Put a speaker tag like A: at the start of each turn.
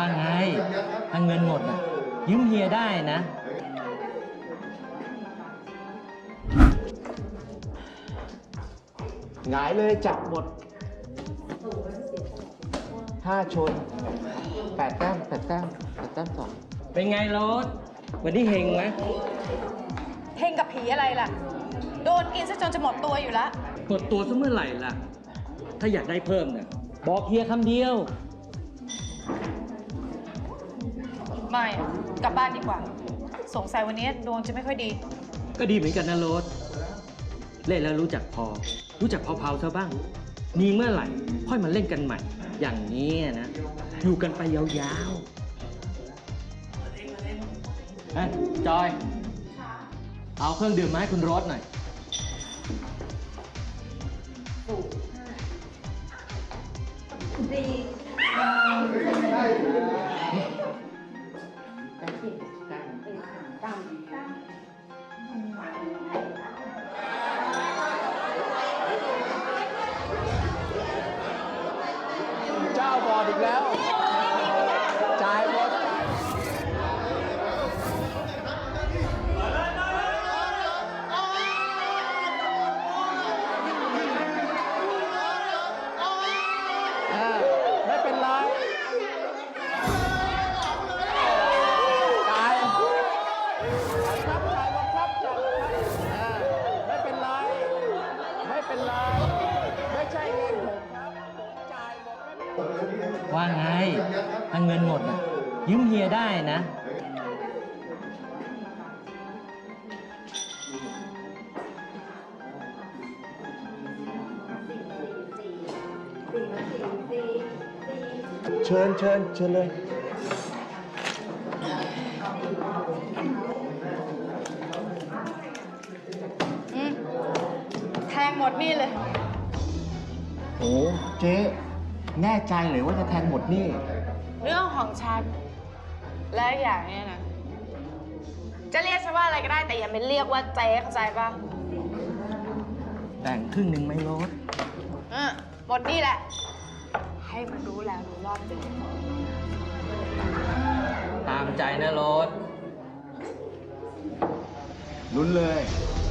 A: ว่าไงถ้าเงินหมดอ่ะยืมเฮียได้นะ
B: หงายเลยจับหมด5 ชน 8 แต้ม8 แต้ม8 แต้ม2
A: เป็นไงโรสวันนี้เฮงไหม
C: เฮงกับผีอะไรล่ะ โดนกินซะจนจะหมดตัวอยู่แล้ว
A: หมดตัวซะเมื่อไหร่ล่ะถ้าอยากได้เพิ่มเนี่ยบอกเฮียคำเดียว
C: ไม่อะกลับบ้านดีกว่า สงสัยวันนี้ดวงจะไม่ค่อยดี
A: ก็ดีเหมือนกันนะโรสเล่นแล้วรู้จักพอเผาๆซะบ้างมีเมื่อไหร่ค่อยมาเล่นกันใหม่อย่างนี้นะอยู่กันไปยาวๆจอยเอาเครื่องดื่มมาให้คุณโรสหน่อย
B: เจ้าบอดอีกแล้วจ่ายหมดไม่เป็นไรจ่ายครับจ่ายหมดครับจ่ายไม่เป็นไรไม่เป็นไรไม่ใช่เงินผมครับผมจ่ายหมดไม่เป็นไร
A: ว่าไงถ้าเงินหมดอ่ะยืมเฮียได้นะ
B: เชิญเลย
C: แทงหมดนี่เลย
B: โอ้เจ๊แน่ใจเลยว่าจะแทงหมดนี่
C: เรื่องของฉัน และอย่างเนี้ยนะ จะเรียกฉันว่าอะไรก็ได้แต่อย่าไปเรียกว่าเจ๊เข้าใจป่ะ
A: แบ่งครึ่งหนึ่งไหมโรส
C: หมดนี่แหละ ให้มันรู้แล้วรู้รอบไปเลย
A: ตามใจนะโรส
B: ลุ้นเลย
A: เ